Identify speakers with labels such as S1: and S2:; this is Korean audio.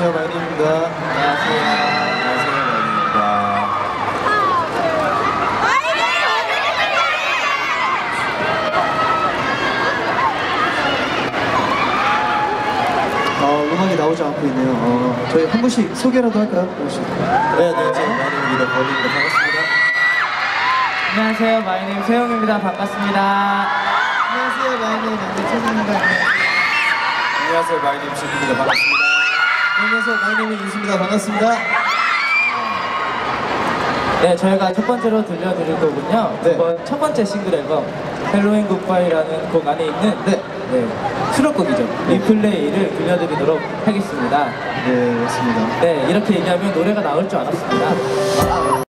S1: 안녕하세요, 마이님입니다.
S2: 안녕하세요. 안녕하세요, 마이님입니다.
S1: 음악이 나오지 않고 있네요. 저희 한 분씩 소개라도 할까요? 한 분씩.
S2: 네, 안녕하세요, 마이님입니다. 버니입니다. 반갑습니다. 안녕하세요, 마이님 세용입니다. 반갑습니다.
S1: 안녕하세요, 마이님 최진입니다.
S2: 안녕하세요, 마이님 진입니다. 반갑습니다.
S1: 안녕하세요, 마이님이 인수입니다. 반갑습니다.
S2: 네, 저희가 첫 번째로 들려드릴 곡은요.
S1: 네.
S2: 이번 첫 번째 싱글 앨범 헬로윈 굿바이라는 곡 안에 있는 수록곡이죠. 리플레이를 들려드리도록 하겠습니다.
S1: 네, 맞습니다.
S2: 네, 이렇게 얘기하면 노래가 나올 줄 알았습니다.